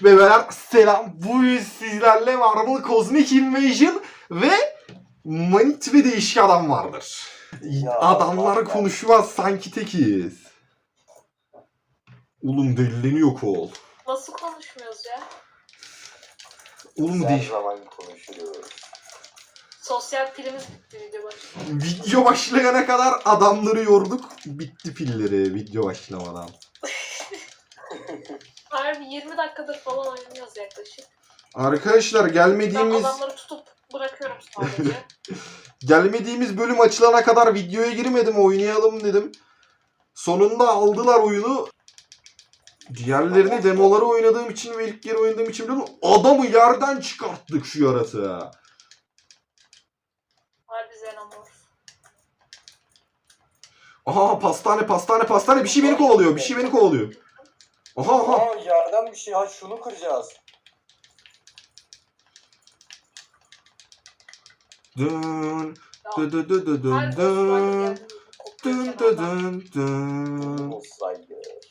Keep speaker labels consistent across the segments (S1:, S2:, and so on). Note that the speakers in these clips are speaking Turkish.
S1: bebeler selam. Bugün sizlerle Marvel Cosmic Invasion ve Manit ve değişik adam vardır.
S2: Ya,
S1: Adamlar
S2: Allah
S1: konuşmaz sanki tekiz. Oğlum delileniyor kol.
S3: Nasıl konuşmuyoruz ya?
S1: Oğlum
S2: her
S1: değil.
S2: zaman konuşuyoruz.
S3: Sosyal pilimiz bitti video başında.
S1: Video başlayana kadar adamları yorduk. Bitti pilleri video başlamadan.
S3: Harbi 20 dakikadır falan oynuyoruz yaklaşık.
S1: Arkadaşlar
S3: Ben
S1: gelmediğimiz
S3: adamları tutup bırakıyorum sadece.
S1: gelmediğimiz bölüm açılana kadar videoya girmedim, oynayalım dedim. Sonunda aldılar oyunu. Diğerlerini demoları oynadığım için ve ilk kere oynadığım için biliyorum. Adamı yerden çıkarttık şu yaratığı.
S3: Harbi Xenomorph.
S1: Aha pastane bir şey beni kovalıyor. Aha.
S2: Aa, yerden bir şey. Ha, şunu kıracağız.
S1: Dın
S3: Ya,
S1: dın dın dın dın
S3: harbi
S1: dın
S3: Osmanlı
S1: dın
S3: geldi.
S1: dın dın.
S2: Olsaydı.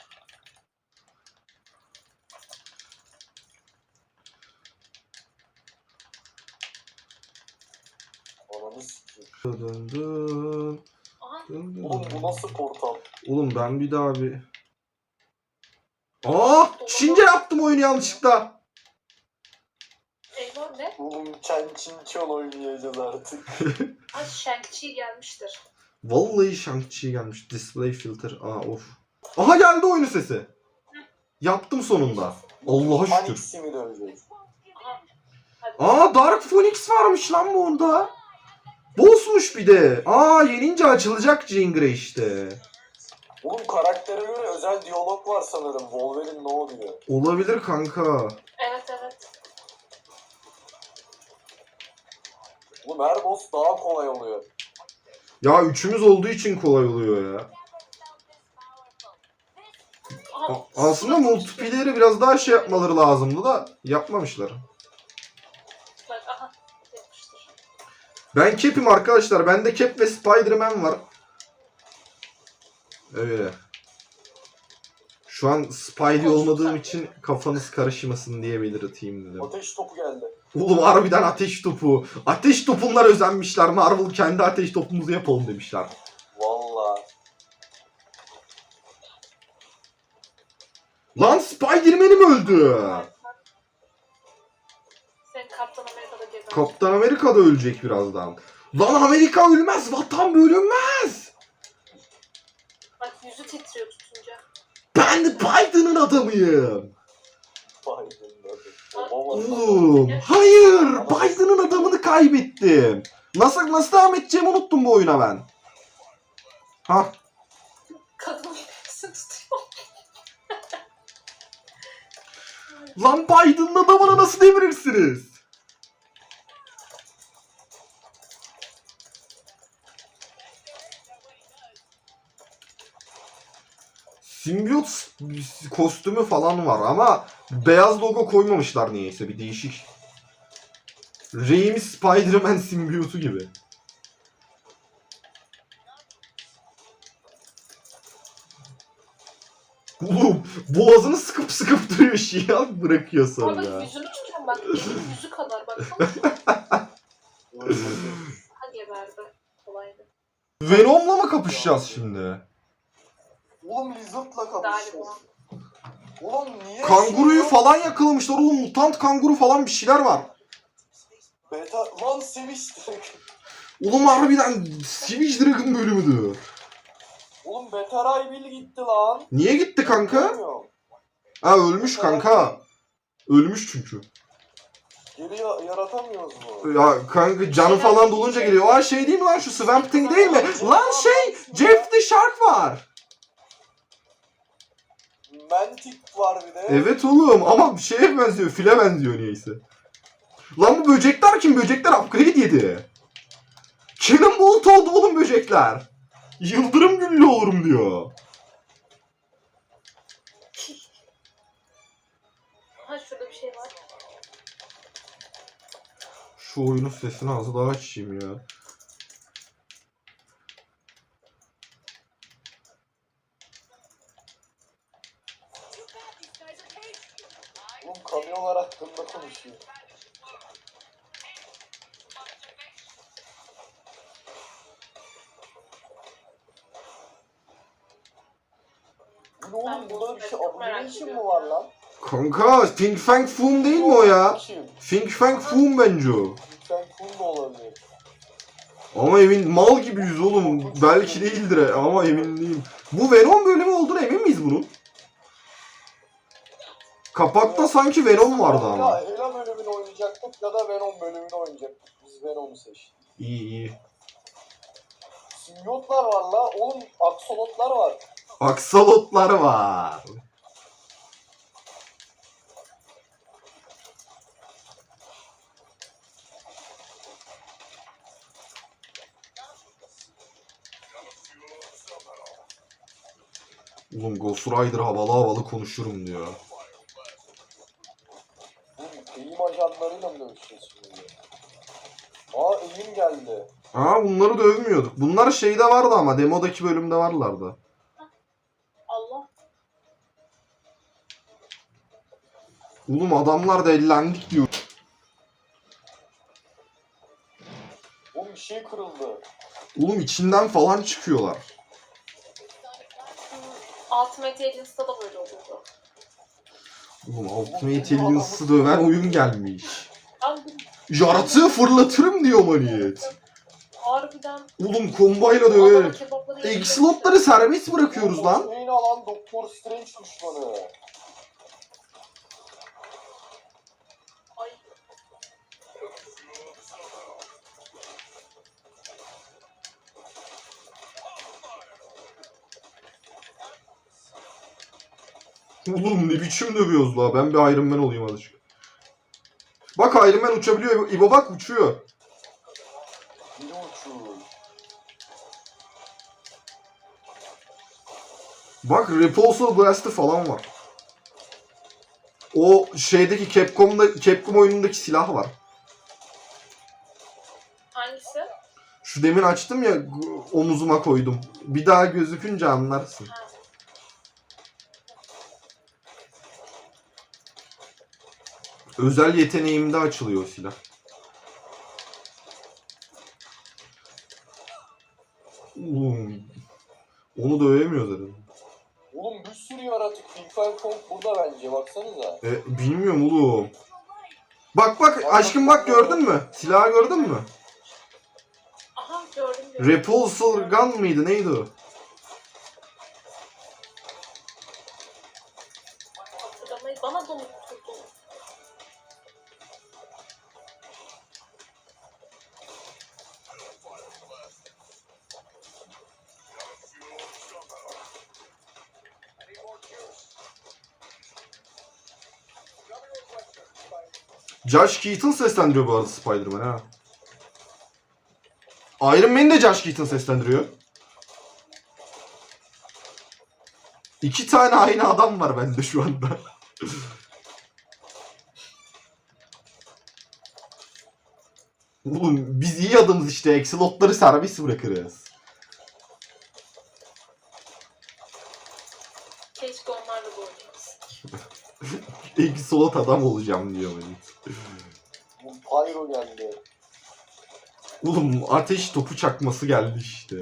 S2: Ananı sikeyim.
S1: Dın dın
S3: Aha,
S1: dın
S2: Oğlum
S1: dın.
S2: bu nasıl portal?
S1: Oğlum ben bir daha bir... Aa! Çince yaptım oyunu yanlışlıkla.
S3: Eyvah ne?
S2: Oğlum Chen Chin Chon oynayacağız artık.
S3: Ha Shang-Chi gelmiştir.
S1: Vallahi Shang-Chi gelmiş. Display filter. Aa of. Aha geldi oyunun sesi. Yaptım sonunda. Allah'a şükür.
S2: Phoenix'i mi döveceğiz?
S3: Aha. Hadi.
S1: Aa Dark Phoenix varmış lan bu onda. Boss'muş bir de. Aa yenince açılacak Jean Grey işte.
S2: Oğlum karaktere göre özel diyalog var sanırım. Wolverine ne oluyor?
S1: Olabilir kanka.
S3: Evet.
S2: Oğlum her boss daha kolay oluyor.
S1: Ya üçümüz olduğu için kolay oluyor ya.
S3: Aha,
S1: Aslında multiplayer'i biraz daha şey yapmaları lazımdı da yapmamışlar.
S3: bak aha. Yapmıştır.
S1: Ben Cap'im arkadaşlar. Bende Cap ve Spider-Man var. Öyle. Şu an Spidey olmadığım için kafanız karışmasın diye belirteyim dedim.
S2: Ateş topu geldi.
S1: Oğlum harbiden ateş topu. Ateş topunlar özenmişler. Marvel kendi ateş topumuzu yapalım demişler.
S2: Valla.
S1: Lan Spider-Man'im öldü.
S3: Sen Kaptan Amerika'da gezer.
S1: Kaptan Amerika da ölecek birazdan. Lan Amerika ölmez. Vatan bölünmez.
S3: Bak yüzü titriyor tutunca.
S1: Ben Biden'ın adamıyım. Oğlum. Hayır. Biden'ın adamını kaybettim. Nasıl devam edeceğimi unuttum bu oyuna ben. Ha.
S3: Kadının hepsini tutuyor.
S1: Lan Biden'ın adamını nasıl devirirsiniz? Simbiyot kostümü falan var ama beyaz logo koymamışlar niyeyse, bir değişik. Raimi Spider-Man simbiyotu gibi. Oğlum boğazını sıkıp duruyor şia bırakıyor sonra.
S3: Bak yüzünü tutuyorum bak. Elin yüzü kadar baksana. Ha geberdi. Kolaydı.
S1: Venom'la mı kapışacağız şimdi?
S2: Oğlum Lizard'la
S3: Galiba.
S2: kapışacağız. Oğlum niye?
S1: Kanguruyu
S2: şey
S1: falan yakalamışlar oğlum, mutant kanguru falan bir şeyler var.
S2: Beta... Lan seviştik.
S1: Oğlum harbiden Savage Dragon bölümüdür.
S2: Oğlum Beta Ray Bill gitti lan.
S1: Niye gitti kanka?
S2: Bilmiyorum.
S1: Ha ölmüş kanka. Ölmüş çünkü.
S2: Geri yaratamıyoruz mu?
S1: Ya kanka canı falan dolunca geliyor. Aa şey değil mi lan, şu Swamp Thing değil mi? Lan şey Jeff the Shark var.
S2: Mantic var bir de.
S1: Evet oğlum ama şeye benziyor, file benziyor niyeyse. Lan bu böcekler kim? Böcekler upgrade yedi. Cannonbolt oldu oğlum böcekler. Yıldırım güllü olurum diyor.
S3: Ha şurada bir şey var.
S1: Şu oyunun sesini az daha açayım ya.
S2: Oğlum kamyonlar hakkında konuşuyor. Bu ne oğlum, burada bir şey abomination mı var lan?
S1: Kanka Fing Fang Foom değil mi o ya?
S2: Kim?
S1: Fing Fang Foom bence o.
S2: Lütfen kum da olabilir.
S1: Ama emin mal gibiyiz oğlum. Belki değildir ama emin değilim. Bu Venom bölümü olduğuna emin miyiz bunun? Kapakta sanki Venom vardı ama.
S2: Ya Hela bölümünü oynayacaktık ya da Venom bölümünü oynayacaktık. Biz Venom'u seçtik.
S1: İyi iyi.
S2: Simyotlar var la. Oğlum aksolotlar var.
S1: Aksalotlar var. Oğlum Ghost Rider havalı havalı konuşurum diyor.
S2: Eğim ajanlarıyla mı dövüşeceğiz şimdi? Aa eğim geldi.
S1: Aa bunları dövmüyorduk. Bunlar şeyde vardı ama demodaki bölümde varlardı.
S3: Allah.
S1: Oğlum adamlar da ellendik diyor.
S2: Oğlum bir şey kırıldı.
S1: Oğlum içinden falan çıkıyorlar.
S3: Ultimate Agents'ta da böyle oluyordu.
S1: Oğlum Ultimate Aliens'ı döven oyun gelmiş.
S3: Ben
S1: Yaratığı fırlatırım diyor maniyet.
S3: harbiden
S1: Oğlum kombayla
S3: adamın
S1: döverek.
S3: kebapları
S1: Exlotları serbest bırakıyoruz lan.
S2: Neyin alan Doktor Strange düşmanı.
S3: Ay.
S1: Oğlum ne biçim dövüyoruz la. Ben bir Iron Man olayım azıcık. Bak Iron Man uçabiliyor. İbo bak uçuyor.
S2: Biri uçuyor.
S1: Bak Repulsor Blast'ı falan var. O şeydeki Capcom oyunundaki silah var.
S3: Hangisi?
S1: Şu demin açtım ya omuzuma koydum. Bir daha gözükünce anlarsın.
S3: Ha.
S1: Özel yeteneğimde açılıyor o silah. Onu dövemiyoruz herhalde.
S2: Oğlum bir sürü yaratık. Finkel Kong burada bence. Baksanıza.
S1: Bilmiyorum oğlum. Bak bak aşkım bak gördün mü? Silahı gördün mü?
S3: Aha gördüm.
S1: Repulsor Gun mıydı neydi o?
S3: Hatırlamayı bana da unutturdun.
S1: Josh Keaton seslendiriyor bu arada Spider-Man ha. Iron Man'i de Josh Keaton seslendiriyor. İki tane aynı adam var bende şu anda. Oğlum biz iyi adamız işte. Excelotları serbest bırakırız.
S3: Keşke onlarla da oynamasın.
S1: Excelot adam olacağım diyor beni.
S2: Bu Pyro geldi.
S1: Oğlum ateş topu çakması geldi işte.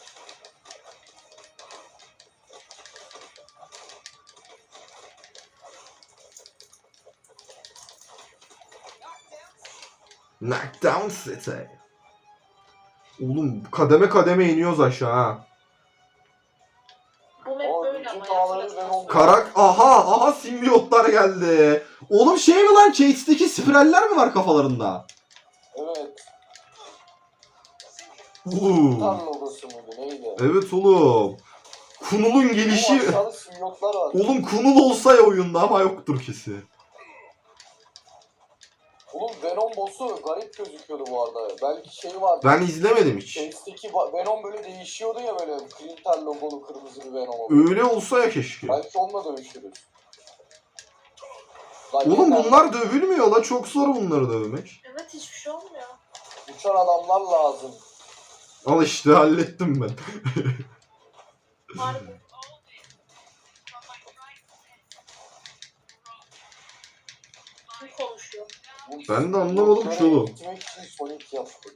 S1: Knockdown City. Oğlum kademe kademe iniyoruz aşağı ha.
S3: Bu map
S2: Aa,
S3: böyle
S2: bütün
S3: ama
S2: dağları
S3: ya.
S2: ben
S1: Karak aha simbiyotlar geldi. Oğlum şey mi lan Chase'deki spiraller mi var kafalarında?
S2: Evet.
S1: Oğlum.
S2: Tam logosu muydu neydi?
S1: Evet oğlum. Kunul'un
S2: Bu
S1: gelişi.
S2: aşağıda simyotlar var.
S1: Oğlum Kunul olsa ya oyunda ama yoktur kesin.
S2: Oğlum Venom boss'u garip gözüküyordu bu arada. Belki şey vardı.
S1: Ben izlemedim hiç.
S2: Chase'deki Venom böyle değişiyordu ya böyle Clinter logolu kırmızı bir Venom.
S1: Öyle olsa ya keşke.
S2: Belki onunla dövüşürüz.
S1: Oğlum bunlar dövülmüyor la. Çok zor bunları dövmek.
S3: Evet hiçbir şey olmuyor.
S2: Uçan adamlar lazım.
S1: Al işte hallettim ben.
S3: Harbi. Kim konuşuyor?
S1: Ben de anlamadım ki oğlum.
S2: Gitmek için Sonic yaptı.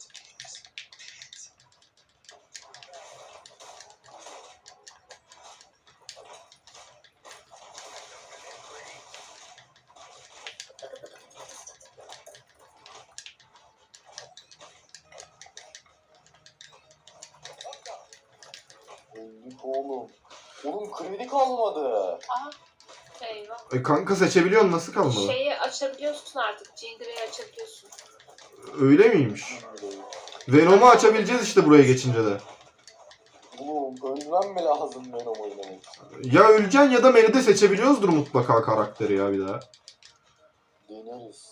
S2: Öldük oğlum. Oğlum kredi kalmadı.
S3: Aha. Eyvah.
S1: Kanka seçebiliyorsun, nasıl kalmadı?
S3: Şeyi açabiliyorsun artık. Jingle'ı açabiliyorsun.
S1: Öyle miymiş? Venom'u açabileceğiz işte buraya geçince de.
S2: Oğlum ölmem mi lazım Venom oynamak için?
S1: Ya öleceksin ya da Meri'de seçebiliyoruzdur mutlaka karakteri ya bir daha.
S2: Deneriz.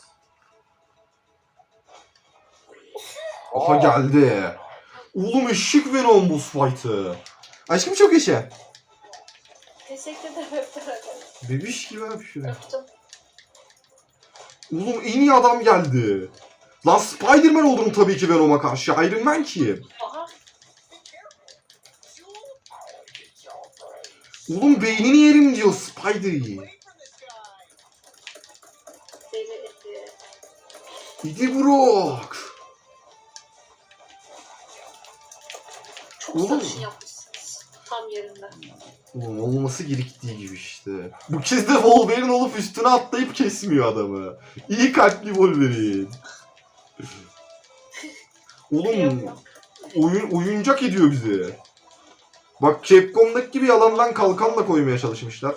S1: Aha geldi. Oğlum eşik Venom boss fight'ı. Aşkım çok yaşa.
S3: Teşekkür ederim.
S1: Bebiş gibi abi şuraya.
S3: Öptüm.
S1: Oğlum en iyi adam geldi. Lan Spider-Man olurum tabii ki Venom'a karşı. Iron Man kim?
S3: Aha.
S1: Oğlum beynini yerim diyor Spider'i.
S3: Deli etti.
S1: İdi Brock.
S3: Çok
S1: Oğlum.
S3: sarışın yapmışsınız. Tam yerinde.
S1: Oğlum olması gerektiği gibi işte. Bu kez de Wolverine olup üstüne atlayıp kesmiyor adamı. İyi kalpli Wolverine. Oğlum oyuncak ediyor bizi. Bak Capcom'daki gibi yalandan kalkanla koymaya çalışmışlar.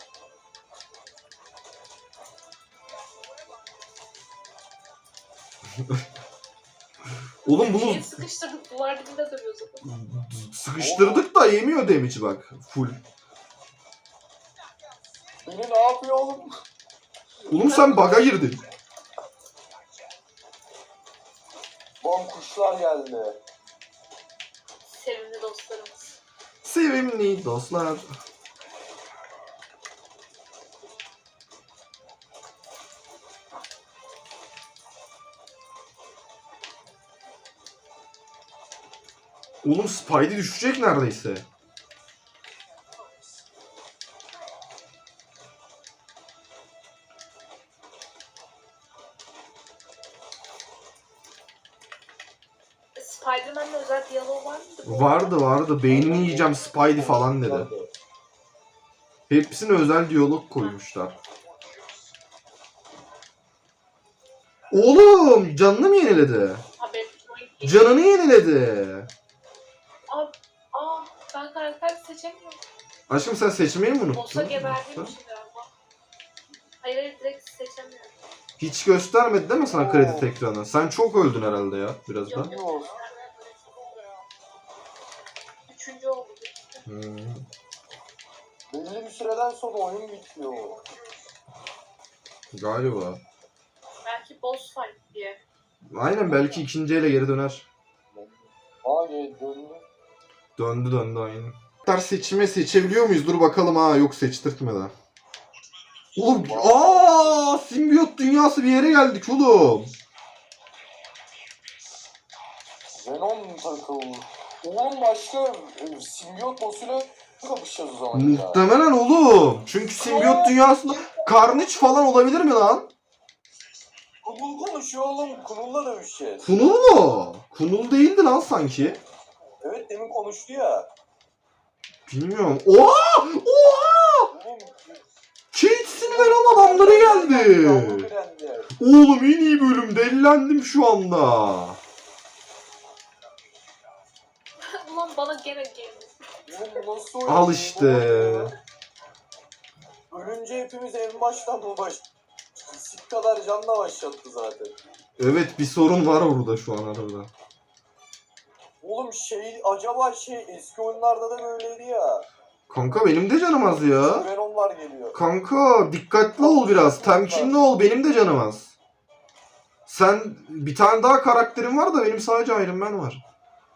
S1: Oğlum bunu
S3: Şeyi sıkıştırdık. Duvar dibinde duruyor zaten.
S1: sıkıştırdık da yemiyor damage'i bak. Full.
S2: Beni ne yapıyor oğlum?
S1: Oğlum sen bug'a girdin.
S2: Lan kuşlar geldi.
S3: Sevimli dostlarımız.
S1: Sevimli dostlar. Oğlum Spidey düşecek neredeyse.
S3: Spider-Man'le özel diyalog var mıydı?
S1: Vardı. Beynini yiyeceğim Spidey falan dedi. Hepsine özel diyalog koymuşlar. Oğlum canını mı yeniledi?
S3: Haber.
S1: Canını yeniledi.
S3: Ben karakter seçemiyorum.
S1: Aşkım sen seçmeyi mi unuttun?
S3: Boss'a geberdiğim için galiba. Hayır direkt seçemiyorum.
S1: Hiç göstermedi değil mi sana kredi ekranı? Sen çok öldün herhalde ya biraz da.
S2: Yok.
S3: Üçüncü oldu.
S2: Belli bir süreden sonra oyun bitiyor.
S1: Galiba.
S3: Belki boss fight diye.
S1: Aynen belki ikinci ele geri döner.
S2: Döndü.
S1: Döndü aynen. Seçebiliyor muyuz? Dur bakalım ha. Yok seçtirtmeden. Oğlum simbiyot dünyası bir yere geldik oğlum.
S2: Venom takıldı. Oğlum başka simbiyot boss'uyla kapışacağız o zaman ya.
S1: Muhtemelen oğlum. Çünkü simbiyot dünyasında Carnage falan olabilir mi lan?
S2: Kunul konuşuyor oğlum. Kunul'la dövüşeceğiz.
S1: Kunul mu? Kunul değildi lan sanki.
S2: Evet demin konuştu ya.
S1: Bilmiyorum. Oha!
S2: Oğlum,
S1: Kates'in Venom adamları geldi.
S2: yavru direndi.
S1: Oğlum en iyi bölüm. Delilendim şu anda.
S3: Ulan bana gene geldi.
S2: Oğlum bu nasıl oyun?
S1: Al işte.
S2: Ölünce hepimiz en baştan mı Sik kadar canla başlattı zaten.
S1: Evet bir sorun var burada şu an arada.
S2: Oğlum acaba eski oyunlarda da böyleydi ya.
S1: Kanka benim de canım az ya.
S2: Venomlar geliyor.
S1: Kanka dikkatli ol biraz. Temkinli ol. Benim de canım az. Sen bir tane daha karakterin var da benim sadece Iron Man var.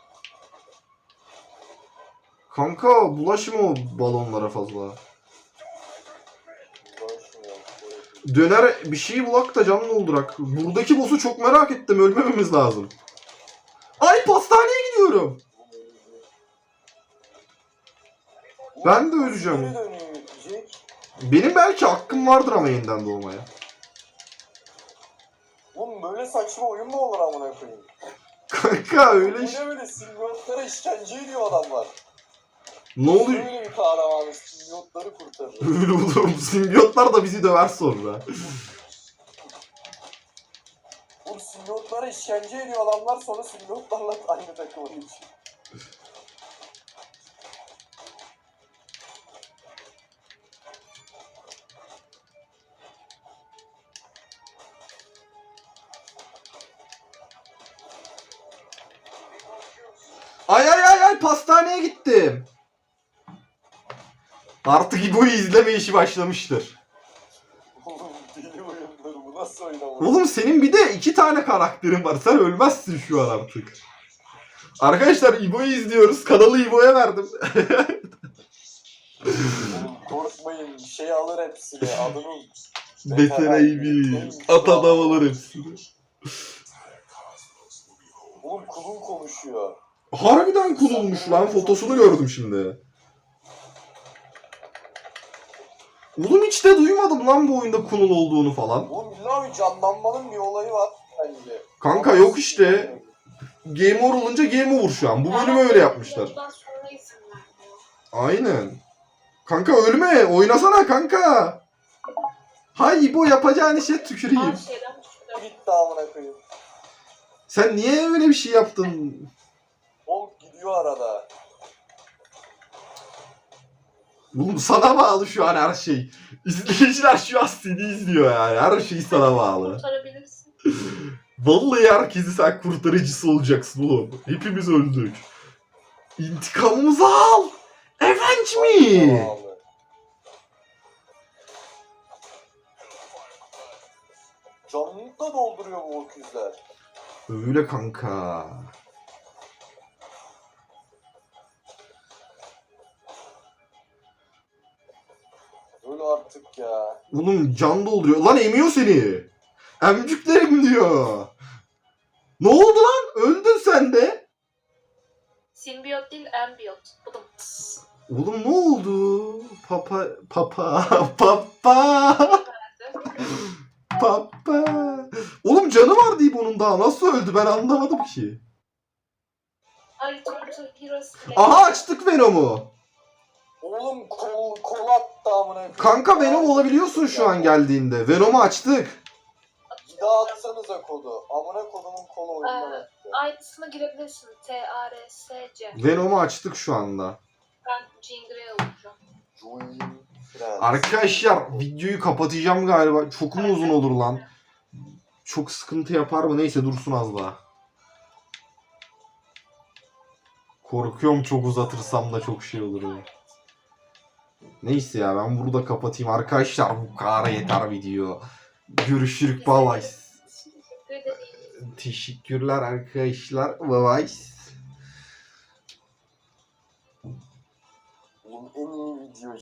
S1: Kanka bulaşma o balonlara fazla. Döner bir şey bulak da canlı oldurak. Buradaki boss'u çok merak ettim. Ölmememiz lazım. Ay pastaneye gidiyorum. Ben de öleceğim. Benim belki hakkım vardır ama yeniden doğmaya.
S2: Oğlum böyle saçma oyun mu olur amına koyayım?
S1: Kanka öyle
S2: Bu
S1: iş.
S2: ne böyle simbiyotlara işkence ediyor adamlar.
S1: Ne oluyor?
S2: Böyle bir kahramanı simbiyotları kurtarır.
S1: Öyle oğlum. Simbiyotlar da bizi döver sonra.
S2: Oğlum simbiyotlara işkence ediyor adamlar sonra simbiyotlarla aynı takıma geçiyor.
S1: Ay ay ay ay pastaneye gittim. Artık İbo'yu izleme işi başlamıştır.
S2: Oğlum deli oyunları bu nasıl oynamak?
S1: Oğlum senin bir de 2 tane karakterin var. Sen ölmezsin şu an artık. Arkadaşlar İbo'yu izliyoruz. Kanalı İbo'ya verdim.
S2: Oğlum korkmayın şey alır hepsini adını.
S1: Betereyimiz. At adam alır hepsini.
S2: Oğlum kulun konuşuyor.
S1: Harbiden kulunmuş lan. Fotosunu gördüm şimdi. Oğlum hiç de duymadım lan bu oyunda kunul olduğunu falan.
S2: Oğlum illa bir canlanmanın bir olayı var bence.
S1: Kanka yok işte. Game over olunca game over şu an. Bu bölümü öyle yapmışlar.
S3: Bundan sonra izin vermiyor.
S1: Aynen. Kanka ölme. Oynasana kanka. Hay İbo yapacağın işe tüküreyim.
S3: Her şeyden düştü.
S2: Gitti amına koyayım.
S1: Sen niye öyle bir şey yaptın?
S2: Oğlum gidiyor arada.
S1: Oğlum sana bağlı şu an her şey. İzleyiciler şu an seni izliyor yani. Her şey sana bağlı.
S3: Kurtarabilirsin.
S1: Vallahi herkesi sen kurtarıcısı olacaksın oğlum. Hepimiz öldük. İntikamımızı al. Avenge me.
S2: Vallahi. Canlılık da dolduruyor bu öküzler.
S1: Öyle kanka.
S2: Öyle artık ya.
S1: Oğlum can dolduruyor. Lan emiyor seni. Emcüklerim diyor. Ne oldu lan? Öldün sen de.
S3: Simbiyot değil, ambiyot. Buldum.
S1: Oğlum ne oldu? Papa. Papa. Oğlum canı var deyip onun daha nasıl öldü ben anlamadım ki.
S3: Ay, Turtle Heroes.
S1: Aha açtık Venom'u.
S2: Oğlum kol attı amına koyayım.
S1: Kanka Venom olabiliyorsun şu an geldiğinde. Venom'u açtık.
S2: Bir daha atsanıza kodu. Amına kodumun kolu oyundan attı.
S3: Aynısına girebilirsin. TRSC.
S1: Venom'u açtık şu anda.
S3: Ben Jean Grey olacağım.
S2: Join Friends.
S1: Arkadaşlar videoyu kapatacağım galiba. Çok mu uzun olur lan? Çok sıkıntı yapar mı? Neyse dursun az daha. Korkuyorum çok uzatırsam da çok şey olur ya. Neyse ya ben burada kapatayım. Arkadaşlar bu kadar yeter video. Görüşürük. Bye bye.
S3: Teşekkür ederim.
S1: Teşekkürler arkadaşlar. Bye bye.
S2: Oğlum en iyi